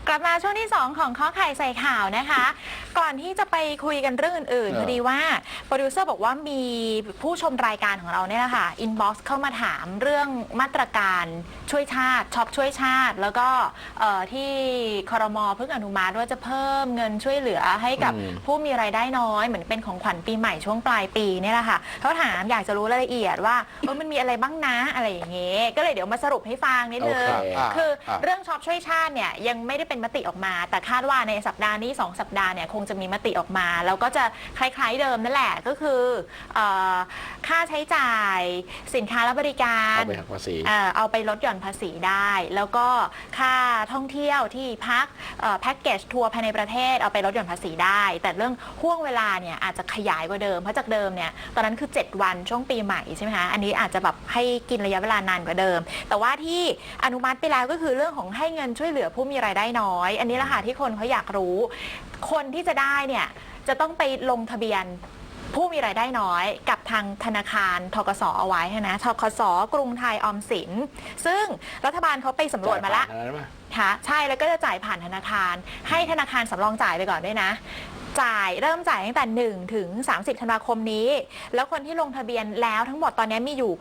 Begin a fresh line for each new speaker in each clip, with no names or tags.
กลับมาช่วงที่ 2 ของข้อไข่ใส่ข่าวนะคะ ก่อนที่จะไปคุยกันเรื่องอื่นๆพอดีว่าโปรดิวเซอร์บอกว่ามีผู้ชมรายการของเราเนี่ยแหละค่ะอินบ็อกซ์เข้ามาถามเรื่องมาตรการช่วยชาติช็อปช่วยชาติ แล้วก็ที่ครม.เพิ่งอนุมัติว่าจะเพิ่มเงินช่วยเหลือให้กับผู้มีรายได้น้อยเหมือนเป็นของขวัญปีใหม่ช่วงปลายปีเนี่ยแหละค่ะเขาถามอยากจะรู้รายละเอียดว่ามันมีอะไรบ้างนะอะไรอย่างเงี้ยก็เลยเดี๋ยวมาสรุปให้ฟังนิดนึงคือเรื่องช็อปช่วยชาติเนี่ยยังไม่ได้เป็นมติออกมาแต่คาดว่าในสัปดาห์นี้2 สัปดาห์เนี่ยคงจะมีมติออกมาแล้วก็จะคล้ายๆเดิมนั่นแหละก็คือค่าใช้จ่ายสินค้าและบริการ
เอาไปหักภาษี
เอาไปลดหย่อนภาษีได้แล้วก็ค่าท่องเที่ยวที่พักแพ็กเกจทัวร์ภายในประเทศเอาไปลดหย่อนภาษีได้แต่เรื่องห่วงเวลาเนี่ยอาจจะขยายกว่าเดิมเพราะจากเดิมเนี่ยตอนนั้นคือ7 วันช่วงปีใหม่ใช่ไหมคะอันนี้อาจจะแบบให้กินระยะเวลานานกว่าเดิมแต่ว่าที่อนุมัติไปแล้วก็คือเรื่องของให้เงินช่วยเหลือผู้มีรายได้น้อยอันนี้แหละค่ะที่คนเขาอยากรู้คนที่จะได้เนี่ยจะต้องไปลงทะเบียนผู้มีรายได้น้อยกับทางธนาคารธกสเอาไว้นะธกสกรุงไทยออมสินซึ่งรัฐบาลเขาไปสำรวจมาแล้วค่ะใช่แล้วก็จะจ่ายผ่านธนาคารให้ธนาคารสำรองจ่ายไปก่อนด้วยนะเริ่มจ่ายตั้งแต่1 ถึง 30 ธันวาคมนี้แล้วคนที่ลงทะเบียนแล้วทั้งหมดตอนนี้มีอยู่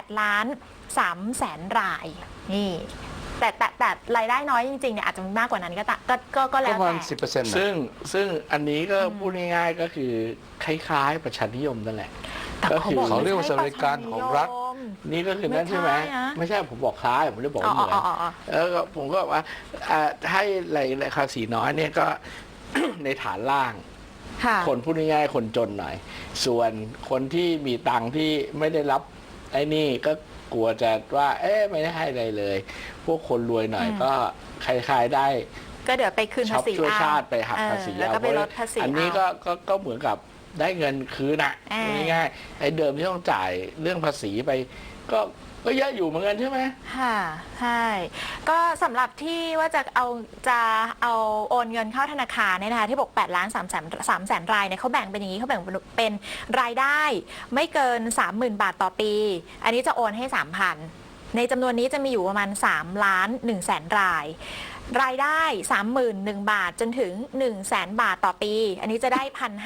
8,300,000 รายนี่แต่รายได้น้อยจริงๆเนี่ยอาจจะมากกว่านั้นก็แล้วแต่
ประมาณ 10%
ซึ่งอันนี้ก็พูดง่ายๆก็คือคล้ายๆประชานิยมนั่นแหละ
ก็
คือเขาเรียกว่าสวัสดิการของรัฐ
นี่ก็คือนั่นใช่ไหมไม่ใช่ผมบอกคล้ายผมไม่ได้บอกเหมือนแล้วก็ผมก็ว่าให้รายภาษีน้อยเนี่ยก็ ในฐานล่างคนพูดง่ายๆคนจนหน่อยส่วนคนที่มีตังค์ที่ไม่ได้รับไอ้นี่ก็กลัวจะว่าไม่ได้ให้อะไรเลยพวกคนรวยหน่อยก็คล้ายๆได้
ก็เดี๋ยวไปคืนภาษี
ช่วยชาติไปหักภาษี
แล้วก็ไปลดภาษี
อันนี้ก็เหมือนกับได้เงินคืนน่ะง่ายๆไอ้เดิมที่ต้องจ่ายเรื่องภาษีไปก็เยอะอยู่เหมือนกันใช่ไหม
ค่ะใช่ก็สำหรับที่ว่าจะเอาโอนเงินเข้าธนาคารเนี่ยนะคะที่บอก8,300,000 รายเนี่ยเขาแบ่งเป็นอย่างนี้เขาแบ่งเป็นรายได้ไม่เกิน 30,000 บาทต่อปีอันนี้จะโอนให้ 3,000 ในจำนวนนี้จะมีอยู่ประมาณ3,100,000 รายรายได้ 31,000 บาทจนถึง 100,000 บาทต่อปีอันนี้จะได้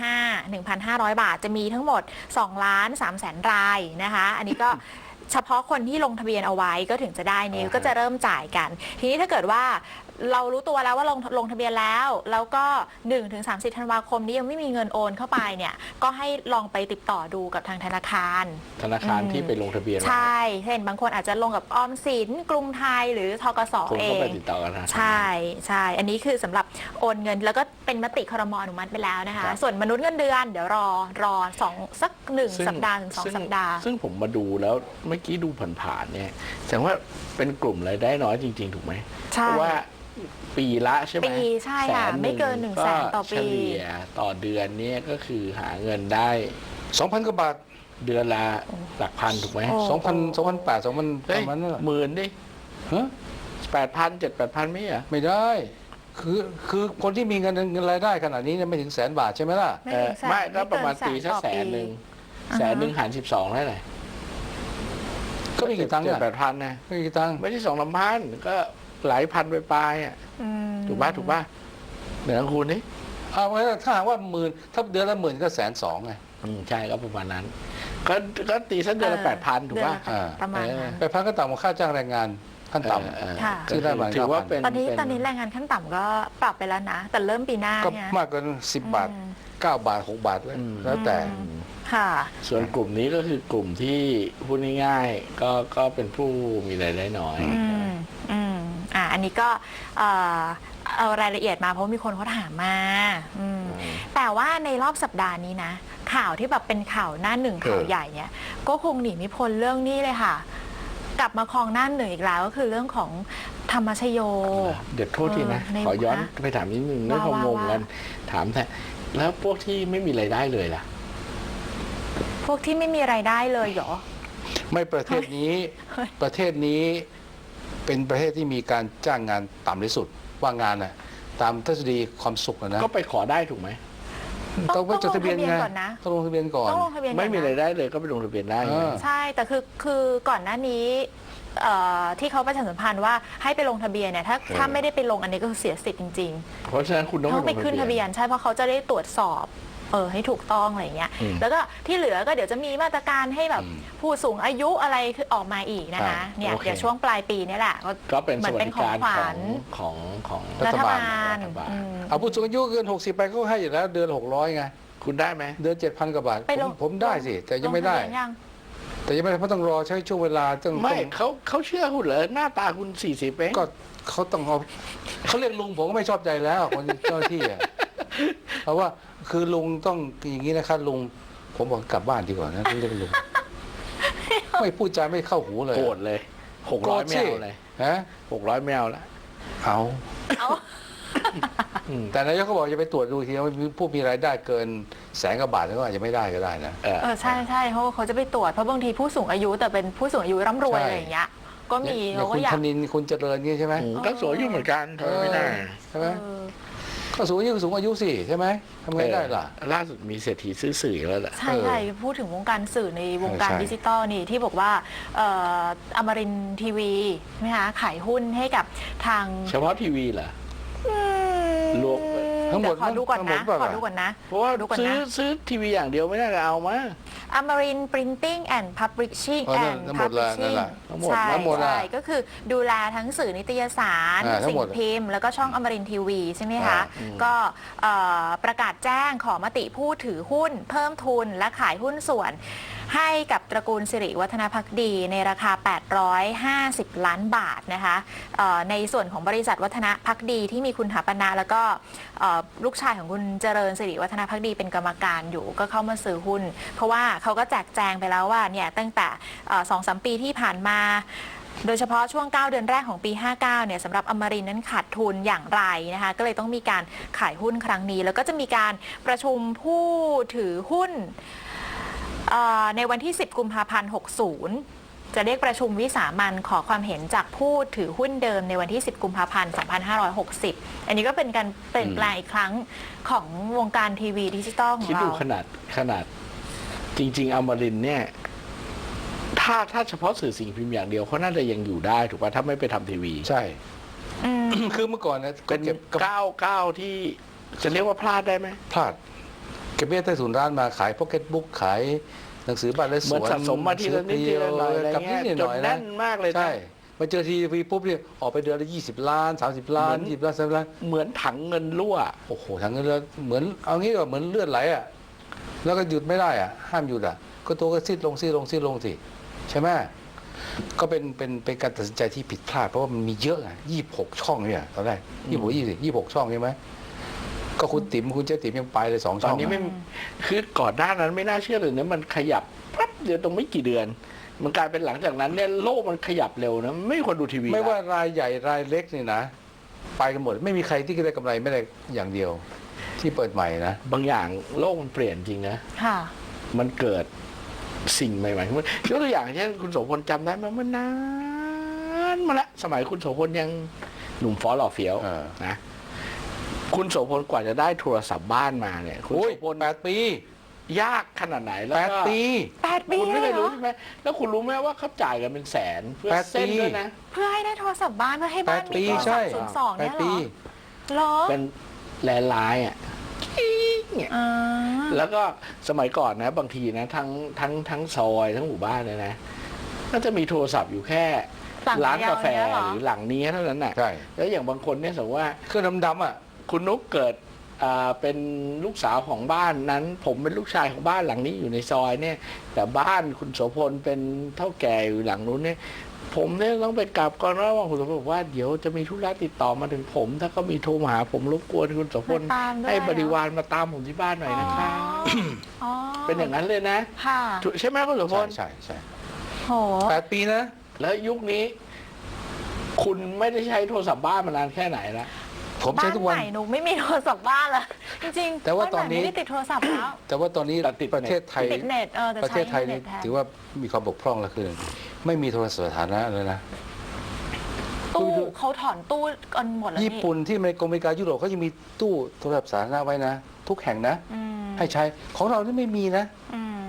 1,500 บาทจะมีทั้งหมด2,300,000 รายนะคะอันนี้ก็เฉพาะคนที่ลงทะเบียนเอาไว้ก็ถึงจะได้นี้ก็จะเริ่มจ่ายกันทีนี้ถ้าเกิดว่าเรารู้ตัวแล้วว่าลงทะเบียนแล้วก็1 ถึง 30 ธันวาคมนี้ยังไม่มีเงินโอนเข้าไปเนี่ยก็ให้ลองไปติดต่อดูกับทางธนาคาร
ที่ไปลงทะเบียน
ใช่เช่นบางคนอาจจะลงกับออมสินกรุงไทยหรือธกสเอง
ไปติดต่อกัน
ใช่อันนี้คือสำหรับโอนเงินแล้วก็เป็นมติครม.อนุมัติไปแล้วนะคะส่วนมนุษย์เงินเดือนเดี๋ยวรอสัก1 สัปดาห์ถึง2 สัปดาห์
ซึ่งผมมาดูแล้วเมื่อกี้ดูผ่านๆเนี่ยแสดงว่าเป็นกลุ่มรายได้น้อยจริงๆถูกไหมเพราะว่าปีละใช่ไหม
ปีใช่ค่ะไม่เกิน100,000 ต่อปี
เฉลี่ยต่อเดือนนี้ก็คือหาเงินได้
2,000 กว่าบาท
เดือนละหลักพันถูกไหม
2,000 2,800 2,000ประมาณนั้น
หมื่นดิ8,000 7,000-8,000ไม่เหรอ
ไม่ได้คือคนที่มีเงินรายได้ขนาดนี้เนี่ยไม่ถึง100,000 บาทใช่ไหมล่ะ
ไม่ก็ประมาณปีสัก100,000 หาร 12ได้เลย
ก็ไม่กี่ตังค์
7,000-8,000นะ
ไม่กี่ตังค์
ไม่ใช่2-3,000ก็หลายพันไปปลายถูกป่ะเหนือคูณนี่
ถ้าหากว่า10,000ถ้าเดือนละ10,000ก็120,000ไง
ใช่ก็ประมาณนั้นก็ตีสักเดือนละ8,000ถูกป่ะ
ประมาณ
8,000ก็ต่ำกว่าค่าจ้างแรงงานขั้นต่ำ
ซึ่งได้
มา
ถือว่าเป็นตอนนี้แรงงานขั้นต่ำก็ปรับไปแล้วนะแต่เริ่มปีหน้า
ก็มากกว่า10 บาท9 บาท6 บาทแล้วแต่
ส่วนกลุ่มนี้ก็คือกลุ่มที่พูดง่ายๆก็เป็นผู้มีรายได้น้อย
อันนี้ก็เอารายละเอียดมาเพราะมีคนเขาถามมาแต่ว่าในรอบสัปดาห์นี้นะข่าวที่แบบเป็นข่าวหน้าหนึ่งข่าวใหญ่เนี่ยก็คงหนีไม่พ้นเรื่องนี้เลยค่ะกลับมาครองหน้าหนึ่งอีกแล้วก็คือเรื่องของธรรมชโย
เดี๋ยวโทษทีนะขอย้อนไปถามนิดนึงเรื่องของงงกันถามแต่แล้วพวกที่ไม่มีรายได้เลยล่ะ
พวกที่ไม่มีรายได้เลยเหรอ
ไม่ประเทศนี้เป็นประเทศที่มีการจ้างงานต่ำที่สุดว่างงานน่ะตามทฤษฎีความสุขนะ
ก็ไปขอได้ถูกไหม
ต้องไปจดทะเบียนไงต้องลงทะเบียนก่อน
ไม่มีรายได้เลยก็ไปลงทะเบียนได้
ใช่แต่คือก่อนหน้านี้ที่เขาประชาสัมพันธ์ว่าให้ไปลงทะเบียนเนี่ยถ้าไม่ได้ไปลงอันนี้ก็คือเสียสิทธิ์จริง
เพราะฉะนั้นคุณ
ๆ
ต้อง
ต้องไป
ลง
ขึ้นทะเบียนใช่เพราะเขาจะได้ตรวจสอบให้ถูกต้องอะไรเงี้ยแล้วก็ที่เหลือก็เดี๋ยวจะมีมาตรการให้แบบผู้สูงอายุอะไรคือออกมาอีกนะคะเนี่ยเดี๋ยวช่วงปลายปีนี่แหละ
ก็เป็น
เหมื
ส
อน
วัส
เป็น
ดิ
ของ
การ
ขวัญ
ของ
รัฐบาล
เอาผู้สูงอายุเกิน60ไปเขาให้อยู่แล้วเดือน600ไง
คุณได้ไหม
เดือน 7,000 กว่าบาท
ไปลง
ผมได้สิแต่ยังไม่ได้
ลทะเบีนยัง
แต่ยังไม่ได้เพราะต้องรอใช้ช่วงเวลาต้อง
ไม่เขาเชื่อคุณเหรอหน้าตาคุณ40เอง
ก็เขาต้องเอาเขาเรียกลุงผมก็ไม่ชอบใจแล้วคนเจ้าหน้าที่อ่ะเพราะว่าคือลุงต้องอย่างนี้นะครับลุงผมบอกกลับบ้านดีกว่านะที่เรียกลุงไม่พูดจาไม่เข้าหูเลย
โกรธเลย600ไม่เอาเลย
ฮะ
600ไม่เอาละ
เอา
เอา
แต่นายกเขาบอกจะไปตรวจดูทีว่าผู้มีรายได้เกิน100,000 กว่าบาทก็อาจจะไม่ได้ก็ได้นะ
ใช่เขาจะไปตรวจเพราะบางทีผู้สูงอายุแต่เป็นผู้สูงอายุร่ำรวย
ใช่
อะไรอย่างเงี้ยก็มี
เนี่ย
เขาก็
คุณ
อยาก
ธนินทร์คุณเจริญนี่ใช่ไหม
ก็สวยอยู่เหมือนกันทำไม่ได้
ใช่ไหมก็สูงอายุสูงอายุสิใช่ไหมทำไงได้ล่ะ
ล่าสุดมีเศรษฐีซื้อสื่อแล้วแหละ
ใช่พูดถึงวงการสื่อในวงการ
ใช่
ดิจิตอลนี่ที่บอกว่าอมรินทร์ทีวีใช่ไหมคะขายหุ้นให้กับทาง
เฉพาะทีวีเหรอ รวม
ทั้งหมด
เดี๋ยวขอดูก่อน
ทั้งหม
นะ
ดเปล่า
ขอดูก่อนนะ
เพราะว่า
ดูก่อน
ซื้อ
นะ
ทีวีอย่างเดียวไม่น่าจะเอามา
อมริน Printing and Publishing
อ๋อนั่น
and
ทั้งหมดละนั่น
Publishing
แหละ
ทั้งหมด
ใช่
ทั้งหมดละ
ใช่ก็คือดูแลทั้งสื่อนิตยสาร
ทั้ง
สิ่
หม
ง
ด
พิมพ์ แล้วก็ช่องอมรินทีวีใช่ไหมคะ
อืม
ก็ประกาศแจ้งขอมติผู้ถือหุ้น เพิ่มทุนและขายหุ้นส่วน ให้กับตระกูลสิริวัฒนภักดีในราคา 850 ล้านบาทนะคะในส่วนของบริษัทวัฒนภักดีที่มีคุณถาปนะแล้วก็ลูกชายของคุณเจริญสิริวัฒนภักดีเป็นกรรมการอยู่ก็เข้ามาซื้อหุ้น เพราะว่าเขาก็แจกแจงไปแล้วว่าเนี่ยตั้งแต่ 2-3 ปีที่ผ่านมา โดยเฉพาะช่วง 9 เดือนแรกของปี 59 เนี่ยสำหรับอมรินทร์นั้นขาดทุนอย่างไรนะคะก็เลยต้องมีการขายหุ้นครั้งนี้ แล้วก็จะมีการประชุมผู้ถือหุ้นในวันที่ 10 กุมภาพันธ์ 60 จะเรียกประชุมวิสามัญขอความเห็นจากผู้ถือหุ้นเดิมในวันที่ 10 กุมภาพันธ์ 2560 อันนี้ก็เป็นการเปลี่ยนแปลงอีกครั้งของวงการทีวีดิจิตอลของ
คิด
เรา
ดูขนาดจริง ๆอมรินทร์เนี่ยถ้าเฉพาะสื่อสิ่งพิมพ์อย่างเดียวเขาน่าจะยังอยู่ได้ถูกป่ะถ้าไม่ไปทำทีวี
ใช่
อืม
คือเมื่อก่อนนะ
เป็น
เก็บ
ก้าวที่จะเรียกว่าพลาดได้ไหม
พลาดเก็บเบี้ยใต้ถุนร้านมาขายพ็อกเก็ตบุ๊กขายหนังสือบ้านและส
เหมือน
วน
สะสมมาทีละนิดทีละหน่อยอะไร
กับนิ
เงี้
ด
ย
ห
จ
น่
น
อย
แน่
นะ
นมากเลยนะ
ใช่มาเจอทีวีปุ๊บเนี่ยออกไปเดือนละ20 ล้าน 30 ล้าน 20 ล้าน 30 ล้าน
เหมือนถังเงินรั่ว
โอ้โหทั้งนั้นแล้วเหมือนเอางี้ก็เหมือนเลือดไหลอ่ะแล้วก็หยุดไม่ได้อ่ะห้ามหยุดอ่ะก็ตัวก็ซีดลงสิใช่ไหมก็เป็นการตัดสินใจที่ผิดพลาดเพราะว่ามันมีเยอะอ่ะ26 ช่องเนี่ยตอนแรก26 ช่องใช่ไหมก็คุณเจ๊ติ๋มยังไปเลย2
ต
ช่
อ
อน ง
นี้ไม่คือก่อนหน้านั้นไม่น่าเชื่อเลยนะมันขยับแป๊บเดียวตรงไม่กี่เดือน มันกลายเป็นหลังจากนั้นเนี่ยโลกมันขยับเร็วนะไม่มีคนดูทีวี
ไม่ว่า
ละ
รายใหญ่รายเล็กนี่นะ ไปกันหมดไม่มีใครที่ได้กำไรไม่ได้อย่างเดียว ที่เปิดใหม่นะ
บางอย่างโลกมันเปลี่ยนจริงนะ
ค่ะ
มันเกิดสิ่งใหม่ๆขึ้นมายกตัวอย่างเช่นคุณโสพลจำได้ไหมเมื่อนานมาละสมัยคุณโสพลยังหนุ่มฟ้อหล่อเฟี้ยว
เออ
นะคุณโสพลกว่าจะได้โทรศัพท์บ้านมาเนี่ยคุณ
โอ้ย
โสพล
8 ปี
ยากขนาดไหนแล้วก็
8 ปี
8 ปี
คุณไม่
เล
เค
ย
ย
เหร
รู้
อ
ใช่ไหมแล้วคุณรู้ไหมว่าเขาจ่ายกันเป็นแสนเพื่อ
8
เส้น
ปี
ด้วยนะ
เพื่อให้ได้โทรศัพท์บ้านเพื่อให้บ้าน
8
มี
ปี
โทร
ใช่
ศัพท์02เนี่ย
8
เหร
ปี
อเหรอ
เป็นแลนด์ไลน์อ่ะเนี่ย
อ่า
แล้วก็สมัยก่อนนะบางทีนะทั้งซอยทั้งหมู่บ้านเนี่ยนะก็จะมีโทรศัพท์อยู่แค่
หลัง
ร้านกาแฟ
เดียวเนี่ยเหรอ
หรือหลังนี้เท่านั้นน่ะ
ใช่
แล้วอย่างบางคนเนี่ยสมมติว่า
เครื่องดำๆอ่ะ
คุณนุ๊กเกิดเป็นลูกสาวของบ้านนั้น ผมเป็นลูกชายของบ้านหลังนี้อยู่ในซอยเนี่ย แต่บ้านคุณโสพลเป็นเท่าแก่อยู่หลังนู้นเนี่ย ผมเนี่ยต้องไปกลับก่อนว่าคุณโสพลบอกว่าเดี๋ยวจะมีธุระติดต่อมาถึงผม ถ้าก็มีโทรมาหาผมรบกวนคุณโสพล
มาตามด้วย
ให้บริวารมาตามผมที่บ้านหน่อยนะคะ
อ๋อ
เป็นอย่างนั้นเลยนะ
ค่ะ
ใช่ไหมคุณโสพล
ใช่
โห
8 ปีนะ
แล้วยุคนี้ คุณไม่ได้ใช้โทรศัพท์บ้านมานานแค่ไหนแล้ว
ผม
บ้า
ใช้
น
ทุก
ให
วัน
ม่หนูไม่มีโทรศัพท์บ้านละจริงๆ
แต่ว่าตอนนี้
บ้ใหม่ไม่ได้ติดโทรศัพท์แล้ว
แต่ว่าตอนนี้
แต่ติด
ประเทศไทย
ติดเน็ตแต่
ประเท
ใช้
ศไทย
เน็
นี่
ตแทน
ถือว่ามีความบกพร่องแล้วคือไม่มีโทรศัพท์สาธารณะเลยนะ
ตู้เขาถอนตู้กันหมดแล้วนี่
ญี่ปุ่นที่อเมริกายุโรปเขายังมีตู้โทรศัพท์สาธารณะไว้นะ ทุกแห่งนะ
อืม
ให้ใช้ของเรานี่ไม่มีนะ
อืม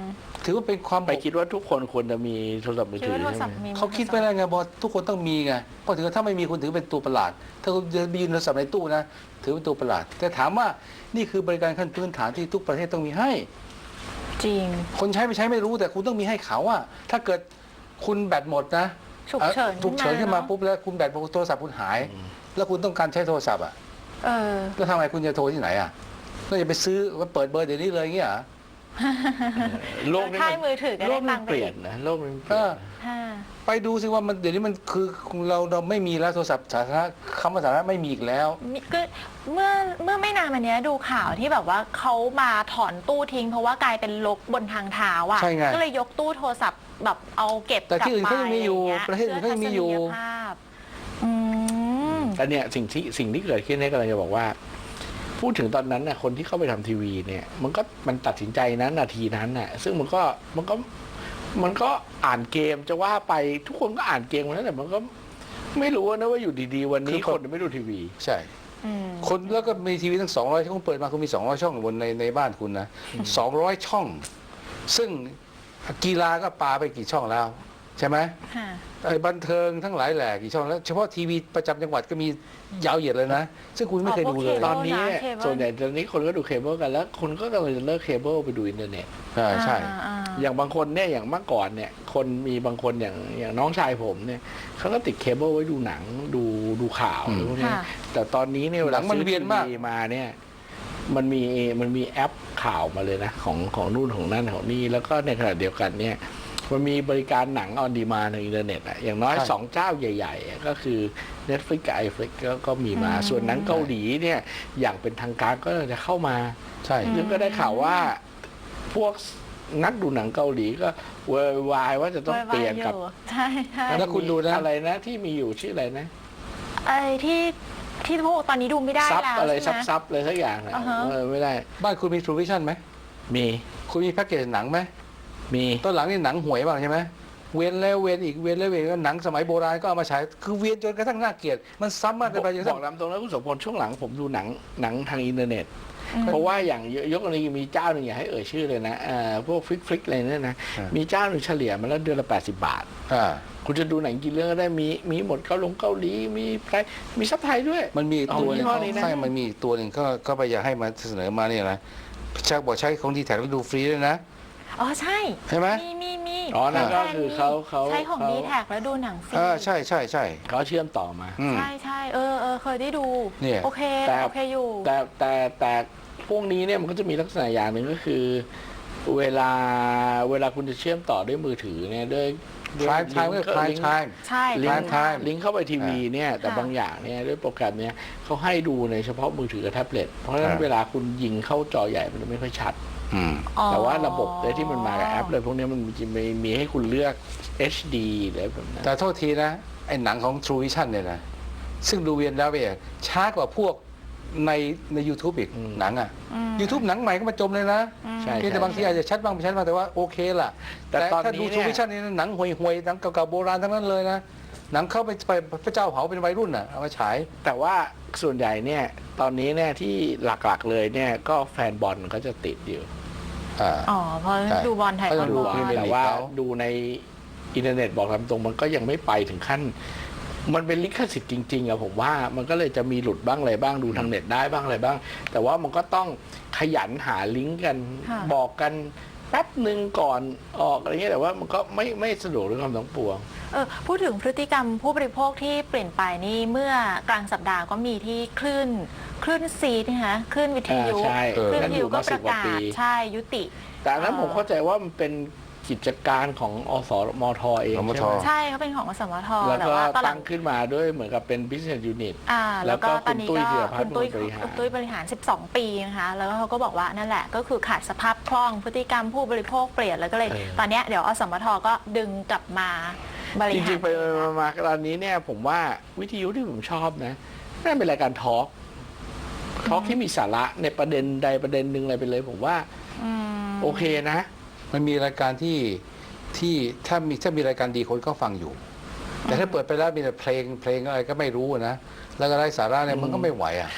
ถือว่าเป็นความ
ไปคิดว่าทุกคนควรจะมีโทรศัพท์มือ
คิด
ถือ
ว่าโทร
ใช่
ศัพท์
ไหม
มี
เขาคิดไปแล้วไงบอกทุกคนต้องมีไงเพราะถือว่าถ้าไม่มีคุณถือเป็นตัวประหลาด ถ้าคุณจะมีโทรศัพท์ในตู้นะถือเป็นตัวประหลาด แต่ถามว่านี่คือบริการขั้นพื้นฐานที่ทุกประเทศต้องมีให้
จริง
คนใช้ไม่ใช้ไม่รู้แต่คุณต้องมีให้เขาอะถ้าเกิดคุณแบตหมดนะ
ฉุกเฉิน
ฉุกเฉินขึ้นมา
เนอะ
ปุ๊บแล้วคุณแบตโทรศัพท์คุณหาย แล้วคุณต้องการใช้โทรศัพท์อะ
เออ
แล้วทำไงคุณจะโทรที่ไหนอะก็จะไปซื้อว่าเปิดเบอร์เดี๋ยวนี้เลยอย่างเงี้ยเหรอ
โลกนี้
ค่ายมือถือก็
โล
ได้
ก
ตั
มั
ง
น
ค์
เปลี่ยนนะโลกมันเปลี่ยนนะ
ค่ะ
ไปดูสิว่ามันเดี๋ยวนี้มันคือเราไม่มีแล้วโทรศัพท์สาธารณะคำว่าสาธารณะไม่มีอีกแล้ว
ก็เมื่อไม่นานมานี้ดูข่าวที่แบบว่าเขามาถอนตู้ทิ้ง เพราะว่ากลายเป็นรกบนทางเท้าอ่ะ
ใช่ไง
ก็เลยยกตู้โทรศัพท์แบบเอาเก็บ
แต่ที่อื่นเขายังมีอยู่
กลับ
ประเทศอื่นเขายังมีอยู่
เพื่ทัศนีภาพอืม
แต่เนี่ยสิ่งที่เกิดขึ้นเนี่ยกำลังจะบอกว่า พูดถึงตอนนั้นน่ะคนที่เข้าไปทำทีวีเนี่ยมันตัดสินใจนั้นนาทีนั้นน่ะซึ่งมันก็อ่านเกมจะว่าไปทุกคนก็อ่านเกมนั้นแต่มันก็ไม่รู้นะว่าอยู่ดีๆวันนี้คนไม่ดูทีวี
ใช่
อืม
คนแล้วก็มีทีวีตั้ง200ช่องเปิดมาคุณมี200ช่องบนในบ้านคุณนะ200ช่อง ซึ่งกีฬาก็ปาไปกี่ช่องแล้ว ใช่ไหม
ค่ะ
ไอ้บันเทิงทั้งหลายแหล่กี่ช่องแล้วเฉพาะทีวีประจำจังหวัดก็มียาวเหยียดเลยนะ ซึ่งคุณไม่เคยดูเลย
ตอนนี้
นะเคเบิล
ส่วนใหญ่ตอนนี้คนก็ดูเคเบิลกันแล้วคนก็กำลังจะเลิกเคเบิลไปดูอินเทอร์เน็ต
ใช่
อย่างบางคนเนี่ยอย่างเมื่อก่อนเนี่ยคนมีบางคนอย่างน้องชายผมเนี่ยเขาก็ติดเคเบิลไว้ดูหนังดูข่าวอะไรพวกเนี้ย
ค่ะ
แต่ตอนนี้เนี่ยเว
หนั
ลาง
มันเวียนมาก
ซื้อทีวีมาเนี่ยมันมีแอปข่าวมาเลยนะของนู่นของนั่นของนี่แล้วก็ในขณะเดียวกันเนี่ยมันมีบริการหนังออนดีมานด์ในอินเทอร์เน็ตอะอย่างน้อย2เจ้าใหญ่ๆก็คือ Netflix กับ iFlix ก็มีมาส่วนหนังเกาหลีเนี่ยอย่างเป็นทางการก็จะเข้ามา
ใช่
ซึ่งก็ได้ข่าวว่าพวกนักดูหนังเกาหลีก็เวอร์วายว่าจะต้องเปลี่ยนกับ
ใช่ใช่
แล้วคุณดูนะ
อะไรนะที่มีอยู่ชื่ออะไรนะ
ไอ้ที่พวกตอนนี้ดูไม่ได้
ซับ
แล้ว
อะไร
ใช่ไหม
ซับอะไรสักอย่างนะ
อ่าฮะ
ไม่ได้
บ้านคุณมี True Vision ไหม
มี
คุณมีแพ็กเกจหนังไหม
มี
ตอนหลังนี่หนังห่วยบ้างใช่ไหมเวียนแล้วเวียนอีกเวียนแล้วเวียนก็หนังสมัยโบราณก็เอามาฉายคือเวียนจนกระทั่งน่าเกลียดมันซ้ำมากเกินไปจนกระ
บ
ทั่
อง กตามตรงนะคุณสมพลช่วงหลังผมดูหนังทางอินเทอร์เน็ต เพราะว่าอย่างยกกรณีมีเจ้าหนึ่งอย่าให้เอ่ยชื่อเลยนะพวกฟลิกอะไรเนี่ยนะมีเจ้าหนึ่งเฉลี่ยมาแล้วเดือนละ80 บาท คุณจะดูหนังกี่เรื่องก็ได้มีหมดเกาหลีมีไทยมีซับไทยด้วย
มันมีอีกตัวหนึง
อ๋อยี่ห้อนี้นะ
ใช่มันมีอีกตัวหนึ่งก็ไปอยากให้มาเสนอมาเนี่ยนะชักบอกใช้ของดีแท็กแล้วดูฟรีด้วยนะ
อ๋อใช่
ใช่ไหม
มี
อ๋อนั่นก็คือเขา
ใช้ของดีแท็กแล้วดูหนังฟรี
ใช่ใช่ใช่
เขาเชื่อมต่อมา
อืม
ใช่เคยได้ดู
เนี่ย
โอเค
แต่
โอเคอยู่
แต่พวกนี้เนี่ยมันก็จะมีลักษณะอย่างหนึ่งก็คือ เวลาคุณจะเชื่อมต่อด้วยมือถือเนี่ยด้วย
Prime Time ก็ Prime Time
ใช่
ลิง
Prime
ก์
Time
ลิงก์เข้าไปทีวีเนี่ยแต่
ค่ะ
บางอย่างเนี่ยด้วยโปรแกรมเนี่ยเขาให้ดูในเฉพาะมือถือกับแท็บเล็ตเพราะฉะนั้นเวลาคุณยิงเข้าจอใหญ่มันจะไม่ค่อยชัด
อืม
อ๋อ
แต่ว่าระบบที่มันมากับแอปเลยพวกนี้มันมีให้คุณเลือก HD อะไรแบบนั้น
แต่โทษทีนะ ไอ้หนังของ True Vision เนี่ยนะ ซึ่งดูเวียนแล้วเองช้ากว่าพวกใน YouTube อีกหนังอ่ะ YouTube หนังใหม่ก็มาจมเลยนะ
ใช่
เพียงแต่บางทีอาจจะชัดบ้างไม่ชัดบ้างแต่ว่าโอเคล่ะ
แต่ตอน
ถ้า
นี้
ดู
เนี่ย
True Vision นี่หนังห่วยๆหนังเก่าๆโบราณทั้งนั้นเลยนะ หนังเข้าไปพระเจ้าเผาเป็นวัยรุ่นอ่ะเอามาฉาย
แต่ว่าส่วนใหญ่เนี่ยตอนนี้เนี่ยที่หลักๆเลยเนี่ยก็แฟนบอลก็จะติดอยู่
อ๋อเพราะ
ใช่
ดูบอลไทย
เขา
บอ
จะ
ล
ดู
บอล
พรีเมียร์
แต่ว่าดูในอินเทอร์เน็ตบอกตามตรงมันก็ยังไม่ไปถึงขั้น มันเป็นลิขสิทธิ์จริงๆอะผมว่ามันก็เลยจะมีหลุดบ้างอะไรบ้างดูทางเน็ตได้บ้างอะไรบ้าง แต่ว่ามันก็ต้องขยันหาลิงก์กัน
ค่ะ
บอกกันแป๊บหนึ่งก่อนออกอะไรเงี้ยแต่ว่ามันก็ไม่สะดวกด้วยความทั้งปวง
พูดถึงพฤติกรรมผู้บริโภคที่เปลี่ยนไปนี่เมื่อกลางสัปดาห์ก็มีที่คลื่นซีดนะคะคลื่นวิทยุ
ใช่
คลื่นวิทยุก็
นั่นอยู่
ประ
มา10 กว่า
กาศ
ปี
ใช่ยุติ
แต่อันนั้นผมเข้าใจว่ามันเป็นกิจการของอสมทเอง
อสมท
ใช่ไหม
ใช่เขาเป็นของอสมท
แล้ว
แต่
ก็
ว่าตอนหลั
ตั้
ง
งขึ้นมาด้วยเหมือนกับเป็น business unit
แล้วก็ตอนนี้
แล้วก็คุณตุ้ย
ก็
ธีรพัฒน์
คุณตุ้ย
เป็นคนบริหาร
คุณตุ้ยบริหาร 12 ปีนะคะแล้วก็เขาก็บอกว่านั่นแหละก็คือขาดสภาพคล่องพฤติกรรมผู้บริโภคเปลี่ยนแล้วก็เลย ตอนเนี้ยเดี๋ยวอสมทก็ดึงกลับมาบริ
จ
หาร
ริงๆไปมาตอนนี้เนี่ยผมว่าวิทยุที่ผมชอบนะน่าเป็นรายการทอล์กที่มีสาระในประเด็นใดประเด็นหนึ่งอะไรไปเลย ผมว่าโอเคนะ
มันมีรายการที่ถ้ามีรายการดีคนก็ฟังอยู่ แต่ถ้าเปิดไปแล้วมีแต่เพลงอะไรก็ไม่รู้นะแล้วก็ไร้สาระเนี่ยมันก็ไม่ไหวอ่ะ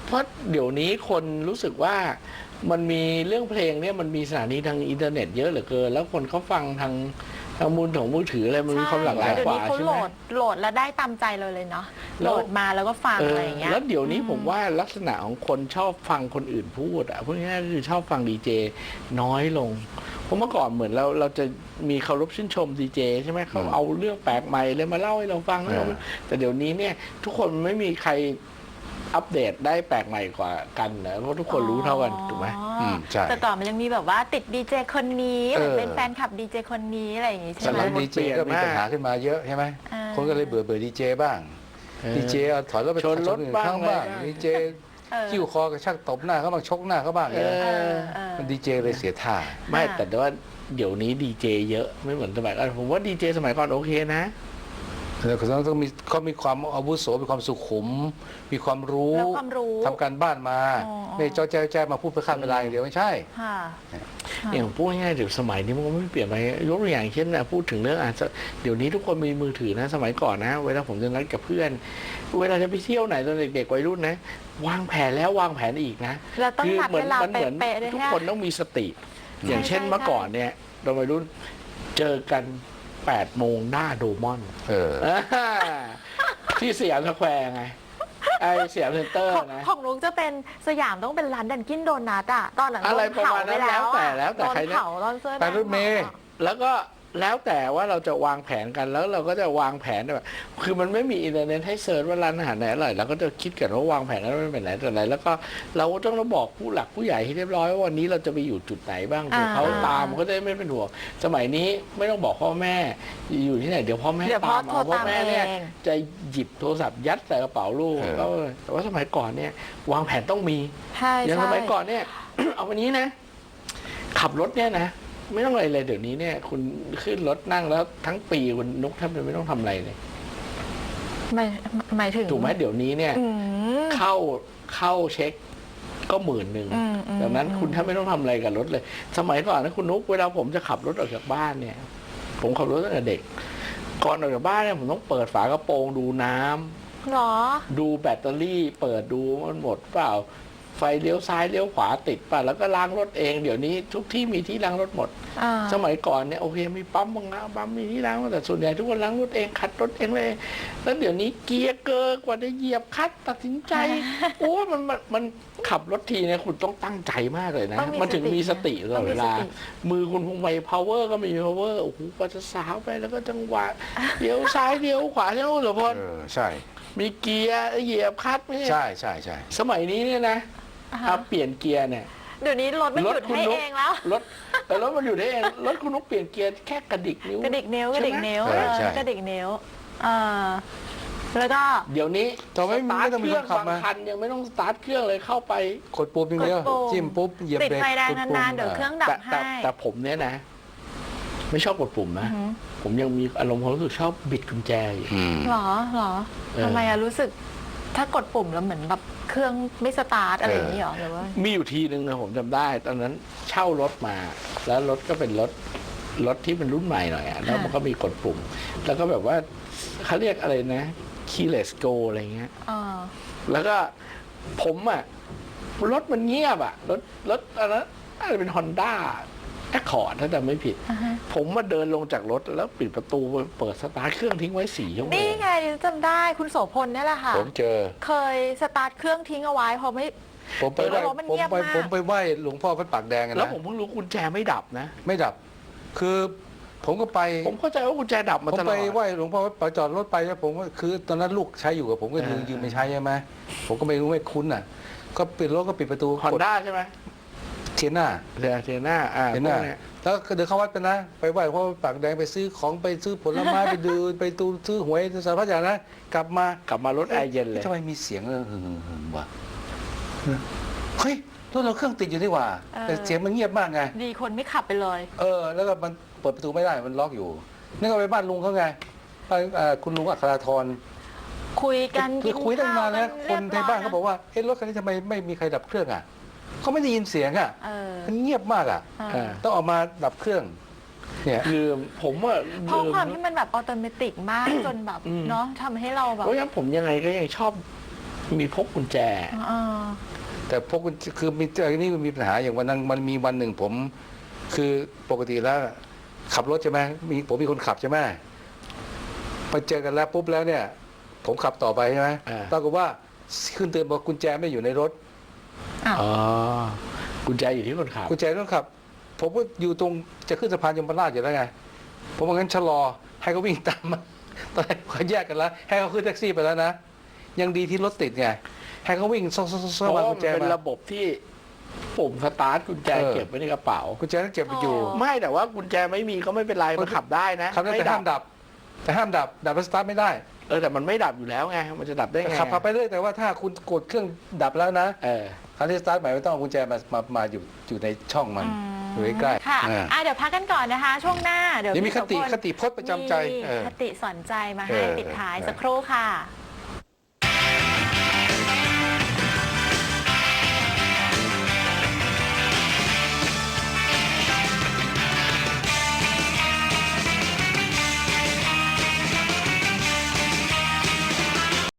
เพราะเดี๋ยวนี้คนรู้สึกว่ามันมีเรื่องเพลงเนี่ยมันมีสถานีทางอินเทอร์เน็ตเยอะเหลือเกินแล้วคนเขาฟังทางมือถืออะไรมันมีความหลากหลายกว่า
เดี๋ยวนี้เขา
ใช่
โห
ไห
ล
ม
ดแล้วได้ตามใจเลยเนาะโห
แล้
ล
ว
ดมาแล้วก็ฟังอะไรอย่างเงี้ย
แล้วเดี๋ยวนี้ผมว่าลักษณะของคนชอบฟังคนอื่นพูดอ่ะพวกนี้ก็คือชอบฟังดีเจน้อยลงเพราะเมื่อก่อนเหมือนเราจะมีเคารพชื่นชมดีเจใช่ไหมเขาเอาเรื่องแปลกใหม่เลยมาเล่าให้เราฟังแต่เดี๋ยวนี้เนี่ยทุกคนไม่มีใครอัปเดตได้แปลกใหม่กว่ากันนะเพราะทุกคนรู้เท่ากันถูกไหม
ใช่
แต่ก่อนมันยังมีแบบว่าติดดีเจคนนี้หรือเป็นแฟนคลับดีเจคนนี้อะไรอย่างงี้ใช่ไหม
สมัยดีเจก็มีปัญหาขึ้นมาเยอะใช่ไหม
อ่า
คนก็เลยเบื่อดีเจบ้างดีเจถอยรถไป
ชนรถบ้าง
ข้างบ้างดีเจคิ้วคอกระชากตบหน้าเขาบ้างชกหน้าเขาบ้างอย่างเงี้ยมันดีเจเลยเสียท่า
ไม่แต่ว่าเดี๋ยวนี้ดีเจเยอะไม่เหมือนสมัยก่อนผมว่าดีเจสมัยก่อนโอเคนะ
แล้วเขามีความอาวุโสมีความสุขุม มีความรู้
แล้วความรู้
ทำการบ้านมา
อ๋อ
ไม่จ้อแจ้มาพูดเพื่อฆ่าเวลาอย่างเดียวไม่ใช่
ค่ะ
อย่างพูดง่ายๆเดี๋ยวสมัยนี้มันก็ไม่เปลี่ยนไปยกตัวอย่างเช่นนะพูดถึงเรื่องเดี๋ยวนี้ทุกคนมีมือถือนะสมัยก่อนนะเวลาผมจะนัดกับเพื่อน เวลาจะไปเที่ยวไหนตอนเด็กๆวัยรุ่นนะวางแผนแล้ววางแผนอีกนะ
เราต้องนัด
เหมื
เวลา
เหมือน
เป๊ะๆด้วย
ทุก
ฮะ
คนต้องมีสติ อย่างเช่น
ใช่
เมื่อก่อนเนี่ยเราวัยรุ่นเจอกัน8 โมงหน้าโดมอน ที่สยามสแควร์ไงไอสยามเซ็นเตอร์นะ
ของนุ๊กจะเป็นสยามต้องเป็นร้านดันกินโดนัทอะตอนหลัง
อะไร
โดนเผา
ประมาณนั้
ไป
น
แล้ว
แล้วแต่
โดน
ใครนะ
เผาตอนเสื้อ
ไปรถเมล์
แล้วก็แล้วแต่ว่าเราจะวางแผนกันแล้วเราก็จะวางแผนแบบคือมันไม่มีอินเทอร์เน็ตให้เซิร์ชว่าร้านอาหารไหนอร่อยเราก็จะคิดกันว่าวางแผนกันว่าเป็นไหนแต่ไหนแล้วก็เราก็ต้องบอกผู้หลักผู้ใหญ่ให้เรียบร้อยว่าวันนี้เราจะไปอยู่จุดไหนบ้างเดี๋ยวเขาตามก็ได้ไม่เป็นห่วงสมัยนี้ไม่ต้องบอกพ่อแม่อยู่ที่ไหนเดี๋ยวพ่อแม่
เดี๋ยวพ่อ
ตาม
โทร
เอาพ่อ
ตาม
แม่
เอ
เนี่ย
ง
จะหยิบโทรศัพท์ยัดใส่กระเป๋าลูกก็แต่ว่าสมัยก่อนเนี่ยวางแผนต้องมี
ใช่
อย่าง
ใช่
สมัยก่อนเนี่ย เอาวันนี้นะ ขับรถเนี่ยนะไม่ต้องอะไรเลยเดี๋ยวนี้เนี่ย คุณขึ้นรถนั่งแล้วทั้งปีคุณนุกแทบจะไม่ต้องทำอะไรเลย
หมายถึง
ถูกไหมเดี๋ยวนี้เนี่ย
อืม
เข้าเช็คก็10,000 ดังนั้นคุณแทบไม่ต้องทำอะไรกับรถเลย สมัยก่อนนะคุณนุกเวลาผมจะขับรถออกจากบ้านเนี่ย ผมขับรถตั้งแต่เด็ก ก่อนออกจากบ้านเนี่ยผมต้องเปิดฝากระโปรงดูน้ำ
หรอ
ดูแบตเตอรี่เปิดดูมันหมดเปล่าไฟเลี้ยวซ้ายเลี้ยวขวาติดป่ะแล้วก็ล้างรถเองเดี๋ยวนี้ทุกที่มีที่ล้างรถหมด สมัยก่อนเนี่ยโอเคมีปั๊มบางนะปั๊มมีที่ล้างแต่ส่วนใหญ่ทุกคนล้างรถเองขัดรถเองเลยแล้วเดี๋ยวนี้เกียร์เกอร์กว่าจะเหยียบคลัตช์ตัดสินใจ โอ้มันขับรถทีเนี่ยคุณต้องตั้งใจมากเลยนะ
ต้องมี
มันถึงมีสติตลอดเวลา
ต้องมีสติ
มือคุณพวงไป power ก็ไม่มี power โอ้โหกว่าจะสาวไปแล้วก็จังหวะเลี้ยวซ้ายเลี้ยวขวาเลี้ยวเหรือพอ
ใช่
มีเกียร์เหยียบคลัตช์ไหม
ใช่ใช่
สมัยนี้เนี่ยนะถ้าเปลี่ยนเกียร์เนี่ย
เดี๋ยวนี้รถมันหยุดให้เองแล้ว
แต่รถมันอยู่ได้เองรถคุณนุกเปลี่ยนเกียร์แค่กระดิกนิ้ว
กระดิกนิ้ว
ใช่
กระ
ไหม
ดิกนิ้ว
ใช่
กระดิกนิ้วแล้วก็
เดี๋ยวนี้
ต่อไม่
สตาร์ท
ต้อง
เค
มี
รื่
ค
อน ง
ขับบ
าง
มา
คันยังไม่ต้องสตาร์ทเครื่องเลยเข้าไป
กดปุ่มอย่างเดียว
กดปุ่ม
จิ้มปุ๊บเหยียบ
ติด
เบรก
ไฟแดง
กปุ่ม
นานๆเดี๋ยวเครื่องดับให้
แต่ผมเนี่ยนะ ไม่ชอบกดปุ่มนะ ผมยังมีอารมณ์ความรู้สึกชอบบิดกุญแจอยู่
หรอ
เออ
ทำไมอะรู้สึกถ้ากดปุ่มแล้วเหมือนแบบเครื่องไม่สตาร์ทอะไรอย่างนี้หรอหรือว่า
มีอยู่ทีนึงนะผมจำได้ ตอนนั้นเช่ารถมา แล้วรถก็เป็นรถที่เป็นรุ่นใหม่หน่อยอะแล้วมันก็มีกดปุ่ม แล้วก็แบบว่าเขาเรียกอะไรนะ keyless go อะไรเงี้ย แล้วก็ผมอะรถมันเงียบอะรถอันนั้นน่าจะเป็น Honda Accord ถ้าจำไม่ผิด ผมมาเดินลงจากรถแล้วปิดประตูเปิดสตาร์ทเครื่องทิ้งไว้4 ชั่วโมง
นี่ไงจำได้คุณโสพลนี่แหละค่ะ
ผมเจอ
เคยสตาร์ทเครื่องทิ้งเอาไว้พอไม่
ผมไปไหว้
รถมันเงียบมาก
ผมไปไหว้หลวงพ่อวัดปากแดงกัน
แล้ว
นะ
ผมเพิ่งรู้กุญแจไม่ดับนะ
ไม่ดับ คือผมก็ไป
ผมเข้าใจว่ากุญแจดับมา
ผม
ตล
ไป
อด
ไหว้หลวงพ่อวัดปากจอดรถไปแล้วผมก็คือตอนนั้นลูกใช้อยู่กับผมก็ยืมไปใช้ใช่ไหมผมก็ไม่รู้ไม่คุ้นอ่ะ ก็ปิดรถก็ปิดประตู
ฮอน
กด
ด้าใช่ไหม
เทียน่า
เทียน่า
เทียน่า
พวกเนี้ย
แล้วก็เดินเข้าวัดไปนะ ไปไหว้หลวงพ่อวัดปากแดงไปซื้อของไปซื้อผลไม้ ไปดูไปตูซื้อหวยสารพัดอย่างนะกลับมาก
ลับมารถแอร์เย็นเลย
ทำไมมีเสียงหึ่งวะเฮ้ยรถเราเครื่องติดอยู่นี่หว่า แต่เสียงมันเงียบมากไง
ดีคนไม่ขับไปเลย
แล้วก็มันเปิดประตูไม่ได้มันล็อกอยู่นี่ก็ไปบ้านลุงเขาไงบ้านคุณลุงอัคราธร
คุยกัน
คือคุยตั้งนานแล้ว
กิ
คนในบ้านเขาบอกว่าเอ๊ะรถคันนี้ทำไมไม่มีใครดับเครื่องอ่ะเขาไม่ได้ยินเสียงอ่ะมันเงียบมากอ่ะ ต้องออกมาดับเครื่อง เนี่ย
ลืมผมว่า
เพราะความที่มันแบบออโตเมติกมากจนแบบเนาะทำให้เราแบบ
เพราะงั้นผมยังไงก็ยังชอบมีพกกุญแจ
แต่พวกคือมีอันนี้มันมีปัญหาอย่างวันนั้นมันมีวันหนึ่งผมคือปกติแล้วขับรถใช่ไหมผมมีคนขับใช่ไหมไปเจอกันแล้วปุ๊บแล้วเนี่ย ผมขับต่อไปใช่ไหมปรากฏว่าขึ้นเตือนบอกกุญแจไม่อยู่ในรถ
อ๋อกุญแจอยู่ที่คนขับ
กุญแจต้องขับ ผมก็อยู่ตรงจะขึ้นสะพานยมราชอยู่แล้วไงผมว่างั้นชะลอให้เขาวิ่งตามมาตอนแรกเขาแยกกันแล้วให้เขาขึ้นแท็กซี่ไปแล้วนะยังดีที่รถติดไงให้เขาวิ่งซ่อ
เพราะ
วาง
ว่า
กุ
มั
ญ
น
แจ
เป็น
มา
ระบบที่ปุ่มสตาร์ทกุญแจเก็บไว้ในกระเป๋า
กุญแจต้องเก็บไปอยู่
ไม่แต่ว่ากุญแจไม่มีก็ไม่เป็นไรมันขับได้นะ
ขับได้แต่ห้ามดับ แต่ห้ามดับแล้วสตาร์ทไม่ได้
แต่มันไม่ดับอยู่แล้วไงมันจะดับได้ไง
ขับไปเรื่อยแต่ว่าถ้าคุณกดเครื่องดับแล้วนะคราวนี้สตาร์ทใหม่ไม่ต้องเอากุญแจมาอยู่ในช่องมันอยู่ใกล้
ค่ะเดี๋ยวพักกันก่อนนะคะ ช่วงหน้าเดี๋ยว
นี่มีคติ
พี่โสพล
พจน์ประจำใจ
มีคติสอนใจมาให้ปิดท้ายสักครู่ค่ะ